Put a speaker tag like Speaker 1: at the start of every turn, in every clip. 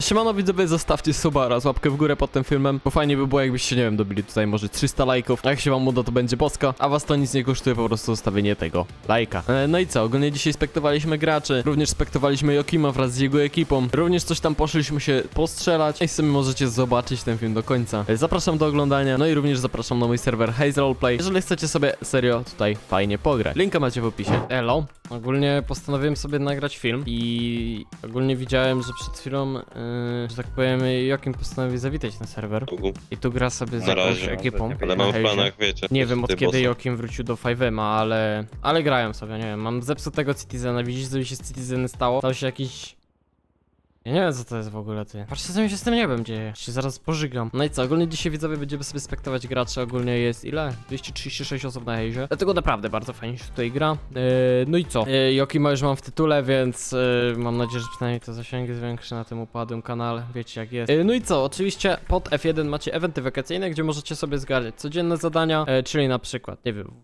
Speaker 1: siemano widzowie, zostawcie suba oraz łapkę w górę pod tym filmem, bo fajnie by było jakbyście, nie wiem, dobili tutaj może 300 lajków. A jak się wam uda, to będzie boska, a was to nic nie kosztuje, po prostu zostawienie tego lajka. No i co, ogólnie dzisiaj spektowaliśmy graczy, również spektowaliśmy Jokima wraz z jego ekipą, również coś tam poszliśmy się postrzelać i w sumie możecie zobaczyć ten film do końca. Zapraszam do oglądania, no i również zapraszam na mój serwer Haze Roleplay, jeżeli chcecie sobie serio tutaj fajnie pograć. Linka macie w opisie. Elo. Ogólnie postanowiłem sobie nagrać film i ogólnie widziałem, że przed chwilą, że tak powiem, Jokim postanowił zawitać na serwer. I tu gra sobie z
Speaker 2: Na
Speaker 1: jakąś
Speaker 2: razie.
Speaker 1: ekipą.
Speaker 2: Ale
Speaker 1: na
Speaker 2: mam w
Speaker 1: Haze'ie.
Speaker 2: planach, wiecie.
Speaker 1: Nie wiem od
Speaker 2: ty
Speaker 1: kiedy
Speaker 2: bossa.
Speaker 1: Jokim wrócił do 5M, ale grają sobie, nie wiem, mam zepsutego Citizena, widzisz co mi się z Citizenem stało? Stał się jakiś... Ja nie wiem co to jest w ogóle, ty. Patrzcie co mi się z tym niebem dzieje, się zaraz pożygam. No i co, ogólnie dzisiaj widzowie będziemy sobie spektować graczy, ogólnie jest ile? 236 osób na Haze'ie. Dlatego naprawdę bardzo fajnie się tutaj gra. No i co? Jokima już mam w tytule, więc mam nadzieję, że przynajmniej to zasięgi zwiększy na tym upadłym kanale, wiecie jak jest. No i co, oczywiście pod F1 macie eventy wakacyjne, gdzie możecie sobie zgarniać codzienne zadania, czyli na przykład, nie wiem,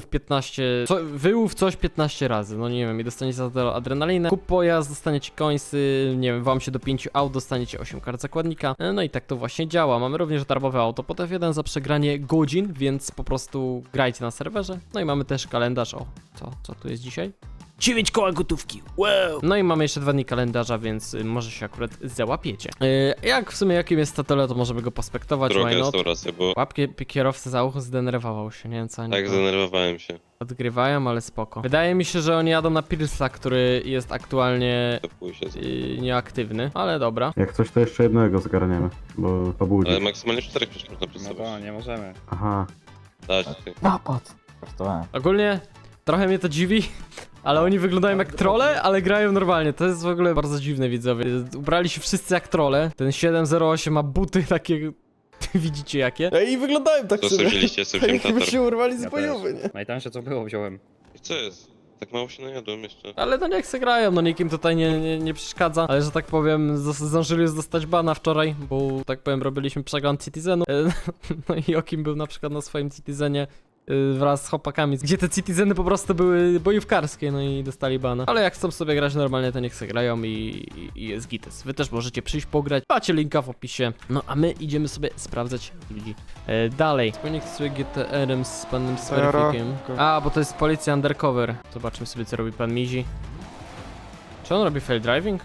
Speaker 1: wyłów coś 15 razy, no nie wiem, i dostaniecie za to adrenalinę, kup pojazd, dostaniecie coinsy, nie wiem, wam się do 5 aut, dostaniecie 8 kart zakładnika, no i tak to właśnie działa. Mamy również darmowe auto pod F1 za przegranie godzin, więc po prostu grajcie na serwerze. No i mamy też kalendarz, o, co tu jest dzisiaj? 9 koła gotówki, wow! No i mamy jeszcze 2 dni kalendarza, więc może się akurat załapiecie. Jak w sumie jakim jest statole, to możemy go pospektować,
Speaker 2: Druga
Speaker 1: why not?
Speaker 2: restauracja, bo
Speaker 1: Łapki kierowcy za ucho zdenerwował się, nie wiem co oni
Speaker 2: tak
Speaker 1: to
Speaker 2: zdenerwowałem się.
Speaker 1: odgrywają, ale spoko. Wydaje mi się, że oni jadą na Pilsa, który jest aktualnie
Speaker 2: To pójść się.
Speaker 1: nieaktywny, ale dobra.
Speaker 3: Jak coś, to jeszcze jednego zgarniemy, bo pobudzi.
Speaker 2: Ale maksymalnie 4 przecież można
Speaker 4: No
Speaker 2: przedstawić.
Speaker 4: to nie możemy.
Speaker 3: Aha.
Speaker 2: Dać ty.
Speaker 4: Napad! Kosztowałem.
Speaker 1: Ogólnie trochę mnie to dziwi, ale oni wyglądają jak trolle, ale grają normalnie. To jest w ogóle bardzo dziwne, widzowie. Ubrali się wszyscy jak trolle. Ten 708 ma buty takie... Widzicie jakie? I wyglądają tak
Speaker 2: Co sobie wzięliście? Sobie wziąłem
Speaker 1: Jakby
Speaker 2: tatar.
Speaker 1: się urwali z
Speaker 4: Ja
Speaker 1: bojowy, nie?
Speaker 4: Najtańsze co było wziąłem.
Speaker 2: I co jest? Tak mało się najadłem jeszcze.
Speaker 1: Ale no niech se grają, no nikim tutaj nie przeszkadza. Ale że tak powiem, zdążyli już dostać bana wczoraj, bo tak powiem robiliśmy przegląd Citizenu. No i Jokim był na przykład na swoim Citizenie wraz z chłopakami, gdzie te Citizeny po prostu były bojówkarskie, no i dostali bana. Ale jak chcą sobie grać normalnie, to niech se grają i jest gites. Wy też możecie przyjść pograć, macie linka w opisie. No a my idziemy sobie sprawdzać ludzi dalej. Wspólnik sobie GTR-em z panem Smurfikiem. A, bo to jest policja undercover. Zobaczmy sobie co robi pan Mizi. Czy on robi fail driving?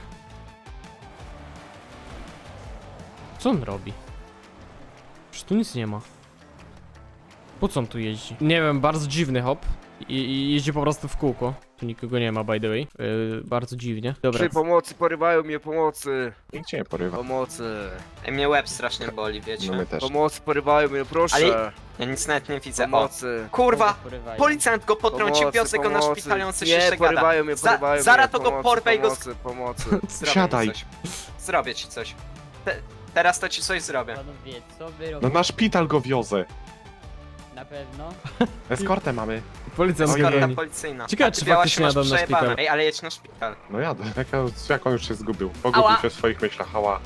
Speaker 1: Co on robi? Przecież tu nic nie ma. Po co on tu jeździ? Nie wiem, bardzo dziwny hop. I jeździ po prostu w kółko. Tu nikogo nie ma, by the way. Bardzo dziwnie. Dobra.
Speaker 5: Przy pomocy, porywają mnie, pomocy.
Speaker 6: Nikt cię nie porywa.
Speaker 5: Pomocy.
Speaker 7: Ej, mnie łeb strasznie boli, wiecie?
Speaker 6: No my też.
Speaker 5: Pomocy, porywają mnie, proszę.
Speaker 7: Ale- Ja nic nawet nie widzę. O,
Speaker 5: Pomocy.
Speaker 7: kurwa! Policjant go potrącił,
Speaker 5: Pomocy,
Speaker 7: wiozę go na
Speaker 5: pomocy.
Speaker 7: szpital, on coś
Speaker 5: Nie,
Speaker 7: jeszcze gada.
Speaker 5: porywają mnie, porywają
Speaker 7: Zara
Speaker 5: mnie.
Speaker 7: to go
Speaker 5: Pomocy,
Speaker 7: porwę i go
Speaker 5: Pomocy, pomocy.
Speaker 7: Zrobię
Speaker 6: Siadaj.
Speaker 7: Ci coś. Zrobię ci coś. Teraz to ci coś zrobię.
Speaker 8: Panowie, co wy
Speaker 6: No
Speaker 8: robicie?
Speaker 6: na szpital go wiozę.
Speaker 8: Na pewno?
Speaker 6: Eskortę mamy.
Speaker 1: Policjant
Speaker 6: Oj,
Speaker 1: go
Speaker 7: Eskorta
Speaker 1: goni.
Speaker 7: policyjna.
Speaker 1: Ciekawe,
Speaker 7: A ty
Speaker 1: czy
Speaker 7: biała
Speaker 1: faktycznie
Speaker 7: się masz
Speaker 1: jadą na
Speaker 7: przejebane.
Speaker 1: szpital.
Speaker 7: Ej, ale jedź na szpital.
Speaker 6: No jadę. Jak on już się zgubił. Pogubił
Speaker 7: Ała.
Speaker 6: się w swoich myślach, ała.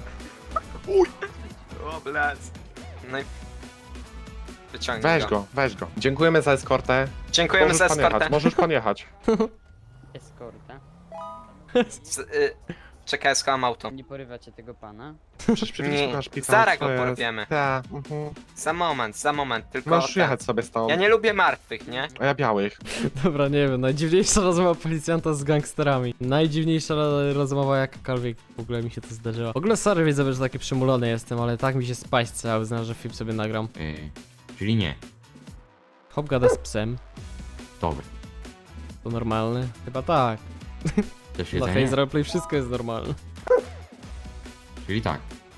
Speaker 7: O, blaz. No i... Wyciągnij
Speaker 6: Weź go. Dziękujemy za eskortę.
Speaker 7: Dziękujemy
Speaker 6: Możesz
Speaker 7: za
Speaker 6: pan
Speaker 7: eskortę.
Speaker 6: jechać, możesz pan jechać.
Speaker 8: Eskorta.
Speaker 7: Czekaj, schowam auto.
Speaker 8: Nie porywacie tego pana?
Speaker 6: Możesz przywieźć
Speaker 7: Nie,
Speaker 6: na szpital.
Speaker 7: zaraz
Speaker 6: co
Speaker 7: go
Speaker 6: jest?
Speaker 7: porwiemy.
Speaker 6: Tak,
Speaker 7: Za moment, tylko...
Speaker 6: Możesz
Speaker 7: ten.
Speaker 6: jechać sobie stąd.
Speaker 7: Ja nie lubię martwych, nie?
Speaker 6: A ja białych.
Speaker 1: Dobra, nie wiem, najdziwniejsza rozmowa policjanta z gangsterami. Najdziwniejsza rozmowa jakakolwiek w ogóle mi się to zdarzyło. W ogóle sorry widzę, że taki przymulony jestem, ale tak mi się spać cały, znam, że film sobie nagram.
Speaker 9: Czyli nie.
Speaker 1: Hop gada z psem.
Speaker 9: Dobry.
Speaker 1: To normalne? Chyba tak.
Speaker 9: Też
Speaker 1: Dla
Speaker 9: jedzenie?
Speaker 1: Haze Roleplay wszystko jest normalne.
Speaker 9: Czyli tak.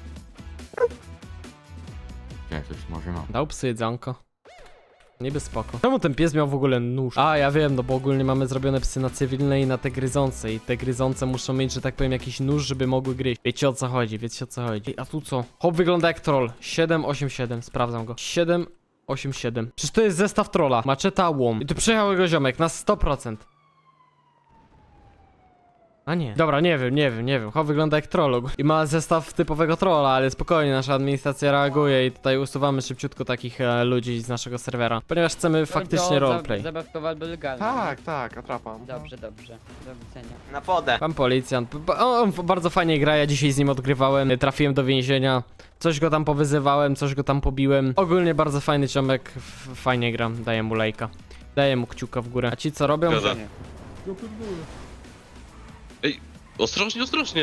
Speaker 9: Ja coś może mam.
Speaker 1: Dał psy jedzonko. Niby spoko. Czemu ten pies miał w ogóle nóż? A, ja wiem, no bo ogólnie mamy zrobione psy na cywilne i na te gryzące. I te gryzące muszą mieć, że tak powiem, jakiś nóż, żeby mogły gryźć. Wiecie o co chodzi, wiecie o co chodzi. Ej, a tu co? Hop wygląda jak troll. 787, sprawdzam go. 787. Przecież to jest zestaw trolla. Maczeta, łom. I tu przyjechał jego ziomek na 100%. A nie. Dobra, nie wiem. Ho wygląda jak troll i ma zestaw typowego trolla, ale spokojnie, nasza administracja reaguje i tutaj usuwamy szybciutko takich ludzi z naszego serwera, ponieważ chcemy faktycznie roleplay.
Speaker 8: Zabawkowa albo legalna.
Speaker 6: Tak, atrapa.
Speaker 8: Dobrze. Do widzenia.
Speaker 7: Na wodę.
Speaker 1: Pan policjant, on bardzo fajnie gra, ja dzisiaj z nim odgrywałem, trafiłem do więzienia, coś go tam powyzywałem, coś go tam pobiłem. Ogólnie bardzo fajny ciomek, fajnie gra, daję mu lajka. Daję mu kciuka w górę. A ci co robią?
Speaker 2: Zgadza. Ej, ostrożnie.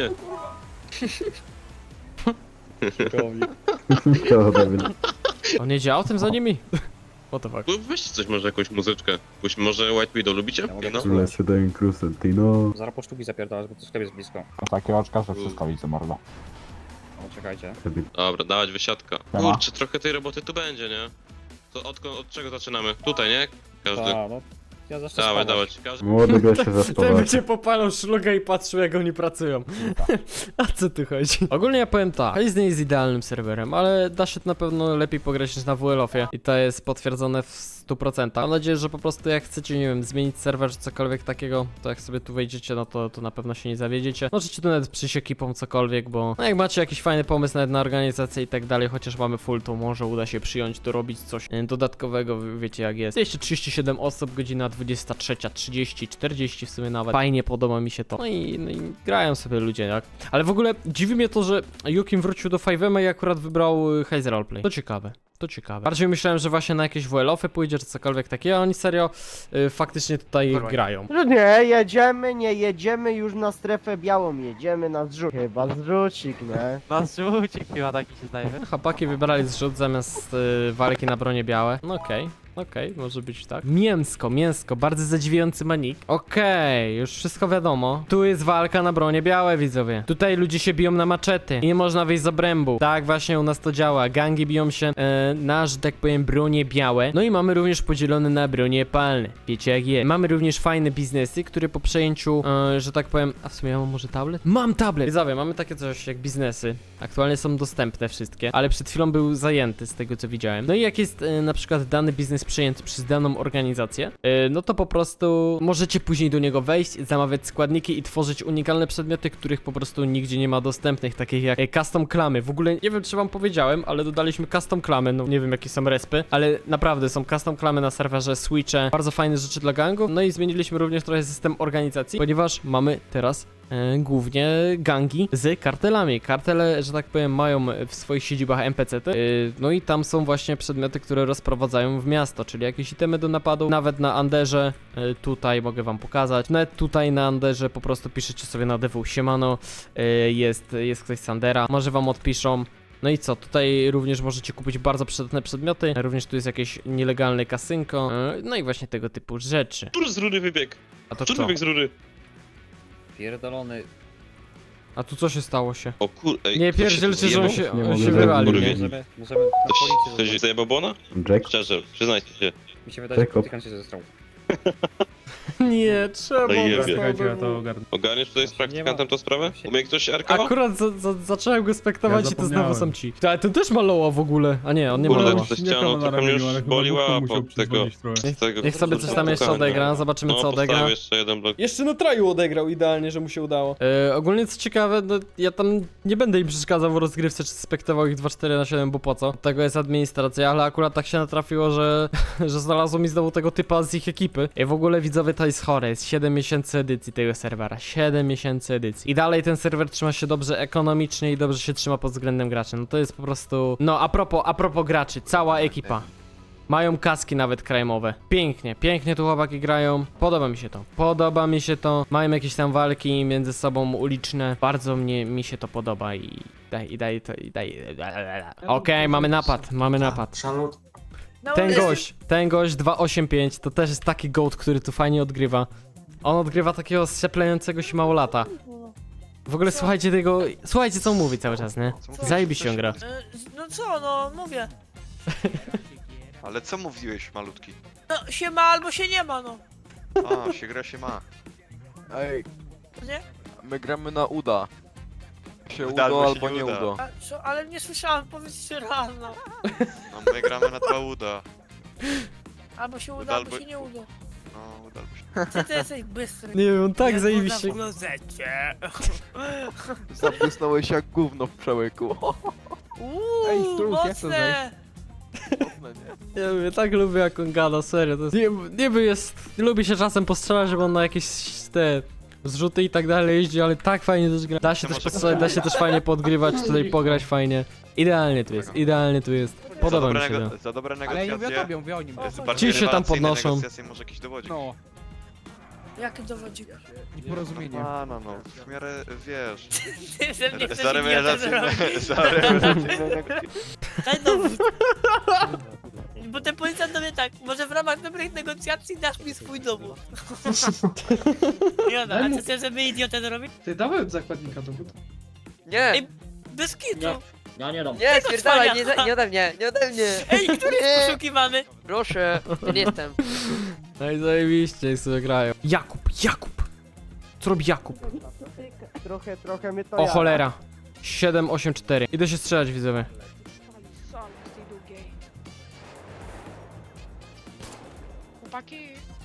Speaker 3: To Dawid.
Speaker 1: On jedzie autem za nimi? What the fuck?
Speaker 2: No weźcie coś, może jakąś muzyczkę. Może White Widow lubicie?
Speaker 4: Ja mogę
Speaker 2: No.
Speaker 4: posłuchać.
Speaker 3: Lecę do Crusentino.
Speaker 4: Zaraz po sztuki zapierdalać, bo to sklep jest blisko.
Speaker 10: Takie oczka, że wszystko widzę, mordo.
Speaker 4: O, czekajcie.
Speaker 2: Dobra, dawać wysiadka.
Speaker 10: Siema.
Speaker 2: Kurczę, trochę tej roboty tu będzie, nie? To od czego zaczynamy? Tutaj, nie? Każdy.
Speaker 4: No. Ja zacznę
Speaker 2: Dawaj,
Speaker 4: spawać.
Speaker 2: dawać. Każdy.
Speaker 3: Młody gość się
Speaker 1: Ten
Speaker 3: zaspował.
Speaker 1: by cię popalał szluga i patrzył jak oni pracują. A co tu chodzi? Ogólnie ja powiem tak, Haze nie jest idealnym serwerem, ale da się na pewno lepiej pograć niż na WLOF-ie i to jest potwierdzone w 100%. Mam nadzieję, że po prostu jak chcecie, nie wiem, zmienić serwer czy cokolwiek takiego, to jak sobie tu wejdziecie, no to na pewno się nie zawiedziecie. Możecie tu nawet przyjść ekipą cokolwiek, bo no jak macie jakiś fajny pomysł nawet na organizację i tak dalej, chociaż mamy full, to może uda się przyjąć, dorobić coś dodatkowego, wiecie jak jest. 237 osób, godzina 23:30, 40 w sumie nawet. Fajnie, podoba mi się to. No i grają sobie ludzie, jak. Ale w ogóle dziwi mnie to, że Jukim wrócił do 5M i akurat wybrał Haze Roleplay. To ciekawe. Bardziej myślałem, że właśnie na jakieś WLOF-y pójdzie, czy cokolwiek takiego, a oni serio faktycznie tutaj grają.
Speaker 5: No nie jedziemy już na strefę białą, jedziemy na zrzut. Chyba zrzucik, nie?
Speaker 1: Chłopaki wybrali zrzut zamiast walki na bronie białe. No okej, może być tak. Mięsko, bardzo zadziwiający manik. Okej, już wszystko wiadomo. Tu jest walka na bronie białe, widzowie. Tutaj ludzie się biją na maczety i nie można wyjść z obrębu. Tak właśnie u nas to działa. Gangi biją się na, że tak powiem, bronie białe. No i mamy również podzielone na bronie palne. Wiecie jak jest. Mamy również fajne biznesy, które po przejęciu, że tak powiem... A w sumie ja mam może tablet? Mam tablet! Widzowie, mamy takie coś jak biznesy. Aktualnie są dostępne wszystkie, ale przed chwilą był zajęty z tego co widziałem. No i jak jest na przykład dany biznes przejęty przez daną organizację, no to po prostu możecie później do niego wejść, zamawiać składniki i tworzyć unikalne przedmioty, których po prostu nigdzie nie ma dostępnych, takich jak custom klamy. W ogóle nie wiem czy wam powiedziałem, ale dodaliśmy custom klamy, no nie wiem jakie są respy, ale naprawdę są custom klamy na serwerze, switche, bardzo fajne rzeczy dla gangów. No i zmieniliśmy również trochę system organizacji, ponieważ mamy teraz głównie gangi z kartelami. Kartele, że tak powiem, mają w swoich siedzibach NPC-ty, no i tam są właśnie przedmioty, które rozprowadzają w miasto, czyli jakieś itemy do napadu, nawet na Anderze, tutaj mogę wam pokazać, nawet tutaj na Anderze po prostu piszecie sobie na DW siemano, jest ktoś z Andera, może wam odpiszą. No i co, tutaj również możecie kupić bardzo przydatne przedmioty, również tu jest jakieś nielegalne kasynko, no i właśnie tego typu rzeczy.
Speaker 2: Tur z rury wybieg.
Speaker 1: A to
Speaker 2: Tur
Speaker 1: co?
Speaker 2: wybieg z rury.
Speaker 4: Pierdolony.
Speaker 1: A tu co się stało się?
Speaker 2: O kur... Ej,
Speaker 1: Nie
Speaker 2: ktoś się
Speaker 1: pierdzielcie, że on się,
Speaker 3: Nie
Speaker 1: on
Speaker 3: mogę
Speaker 1: się
Speaker 3: zajść,
Speaker 1: wywalił,
Speaker 3: kurwa.
Speaker 1: nie?
Speaker 4: Możemy na policję
Speaker 2: Ktoś zajebał Bona?
Speaker 3: Jack?
Speaker 2: Szczerze, przyznajcie się.
Speaker 4: Mi się wydaje, że
Speaker 3: Jacob.
Speaker 4: politykant się zestrał.
Speaker 1: Nie, trzeba
Speaker 2: No i jebie.
Speaker 1: Czekajcie, ja to
Speaker 2: Ogarniesz tutaj z
Speaker 4: Nie
Speaker 2: praktykantem
Speaker 4: ma.
Speaker 2: tą sprawę? Umie ktoś RKO?
Speaker 1: Akurat zacząłem go spektować i to znowu są ci. Ale ten też ma loła w ogóle. A nie, on nie ma
Speaker 2: Kurde,
Speaker 1: loła.
Speaker 2: ze ścianą trochę mnie już boliła od tego. Z tego
Speaker 1: Niech sobie coś tam jeszcze odegra, zobaczymy
Speaker 2: No,
Speaker 1: co odegra.
Speaker 2: postawię jeszcze jeden blok.
Speaker 1: Jeszcze na traju odegrał idealnie, że mu się udało. Ogólnie co ciekawe, no ja tam nie będę im przeszkadzał w rozgrywce, czy spektował ich 2-4-7, bo po co? Od tego jest administracja, ale akurat tak się natrafiło, że znalazło mi znowu tego typa z ich ekipy. I w ogóle widzowie to jest chore, jest 7 miesięcy edycji tego serwera, 7 miesięcy edycji. I dalej ten serwer trzyma się dobrze ekonomicznie i dobrze się trzyma pod względem graczy. No to jest po prostu... No a propos graczy, cała ekipa. Mają kaski nawet crime'owe. Pięknie tu chłopaki grają. Podoba mi się to. Mają jakieś tam walki między sobą uliczne. Bardzo mi się to podoba i daj. Okej, mamy napad. Ten gość 285 to też jest taki goat, który tu fajnie odgrywa. On odgrywa takiego strzeplejącego się małolata. W ogóle słuchajcie co on mówi cały czas, nie? Zajebiście on gra.
Speaker 11: No co, no mówię.
Speaker 12: Ale co mówiłeś, malutki?
Speaker 11: No się ma albo się nie ma, no.
Speaker 12: A, się gra, się ma.
Speaker 5: Ej,
Speaker 11: Nie?
Speaker 5: my gramy na uda. Się
Speaker 12: Uda
Speaker 5: udo
Speaker 12: albo się
Speaker 5: albo
Speaker 12: nie
Speaker 5: nie
Speaker 12: uda.
Speaker 5: udo.
Speaker 11: A, co, ale nie słyszałem, powiedzcie raz, no.
Speaker 12: No my gramy na dwa uda.
Speaker 11: Albo się uda,
Speaker 12: Uda
Speaker 11: albo
Speaker 12: albo-
Speaker 11: się nie uda.
Speaker 12: No, uda albo się
Speaker 11: Ty jesteś bystry.
Speaker 1: Nie wiem, on tak
Speaker 11: Nie,
Speaker 1: zajebiście.
Speaker 11: na klozecie.
Speaker 5: Zabłysnąłeś jak gówno w przełyku.
Speaker 11: Mocne.
Speaker 1: Ja mówię, tak lubię jak on gada, serio. To jest, niby jest, lubi się czasem postrzelać, żeby on na jakieś te zrzuty i tak dalej jeździ, ale tak fajnie też gra. Da się też postrzelać, da się też fajnie podgrywać, tutaj pograć fajnie. Idealnie tu jest, idealnie tu jest. Podoba mi się to.
Speaker 12: Za dobre
Speaker 4: Ale ja nie mówię o
Speaker 12: negocjacje.
Speaker 4: tobie, mówię o nim.
Speaker 1: Ci się tam podnoszą.
Speaker 12: Negocjacje może jakiś dowodzik.
Speaker 4: No,
Speaker 11: Jaki dowodzik?
Speaker 4: nieporozumienie.
Speaker 12: No, w miarę, wiesz...
Speaker 11: Ty ze mnie chcesz
Speaker 12: Za
Speaker 11: idiotę zrobić.
Speaker 12: rewelacyjne... Za rewelacyjne...
Speaker 11: Daj dowód. Bo ten policjant do mnie tak, może w ramach dobrych negocjacji dasz mi swój dowód. Joda, a ty chcesz, żeby idiotę zrobić?
Speaker 4: Ty dałem zakładnika dowód.
Speaker 7: Nie,
Speaker 11: Ej, bez kitu.
Speaker 8: Ja nie dam.
Speaker 7: nie, spierdalaj,
Speaker 11: cwania.
Speaker 7: nie ode mnie, nie ode mnie.
Speaker 11: Ej, który jest poszukiwany?
Speaker 7: Proszę, ja nie jestem.
Speaker 1: No i zajebiście, jak sobie grają. Jakub! Co robi Jakub?
Speaker 5: Trochę mnie to
Speaker 1: O
Speaker 5: jara.
Speaker 1: cholera. 784. Idę się strzelać, widzowie.
Speaker 11: Chłopaki.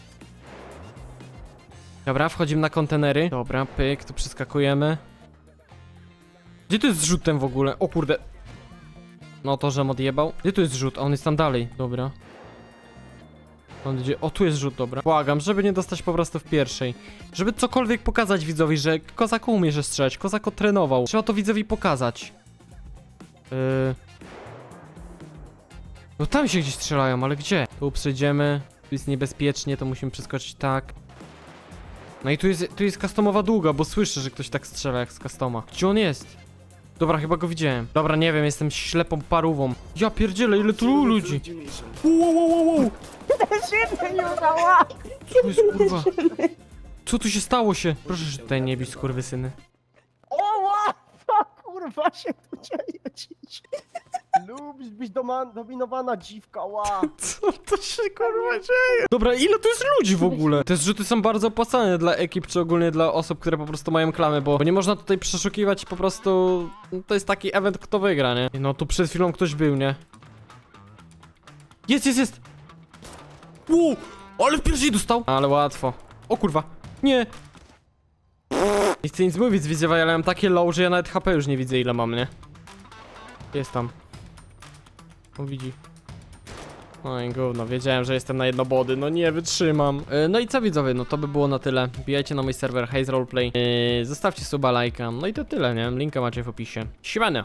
Speaker 1: Dobra, wchodzimy na kontenery. Dobra, pyk, tu przeskakujemy. Gdzie tu jest zrzut ten w ogóle? O kurde. No to, żem odjebał. Gdzie tu jest zrzut? A on jest tam dalej. Dobra. On idzie... O, tu jest zrzut, dobra. Błagam, żeby nie dostać po prostu w pierwszej. Żeby cokolwiek pokazać widzowi, że Kozak umie że strzelać. Kozak trenował. Trzeba to widzowi pokazać. No tam się gdzieś strzelają, ale gdzie? Tu przejdziemy. Tu jest niebezpiecznie, to musimy przeskoczyć tak. No i tu jest customowa długa, bo słyszę, że ktoś tak strzela jak z customa. Gdzie on jest? Dobra, chyba go widziałem. Dobra, nie wiem, jestem ślepą parówą. Ja pierdzielę, ile tu ludzi. Wow. Co jest, kurwa? Co tu się stało się? Proszę, że tutaj nie bić, skurwysyny.
Speaker 5: O, co kurwa się tu dzieje dziś? Lubisz być dominowana dziwka, ła.
Speaker 1: Co to się kurwa dzieje? Dobra, ile tu jest ludzi w ogóle? Te zrzuty są bardzo opłacalne dla ekip, czy ogólnie dla osób, które po prostu mają klamy, bo nie można tutaj przeszukiwać po prostu... No, to jest taki event, kto wygra, nie? No tu przed chwilą ktoś był, nie? Jest! Wow, ale w pierwszej dostał! Ale łatwo. O kurwa, nie! Nie chcę nic mówić, widzowie, ale mam takie low, że ja nawet HP już nie widzę, ile mam, nie? Jest tam. O, widzi. No i gówno, wiedziałem, że jestem na jednobody, no nie wytrzymam. No i co widzowie, no to by było na tyle. Wbijajcie na mój serwer Haze Roleplay, zostawcie suba, lajka, no i to tyle, nie? Linka macie w opisie. Siemano!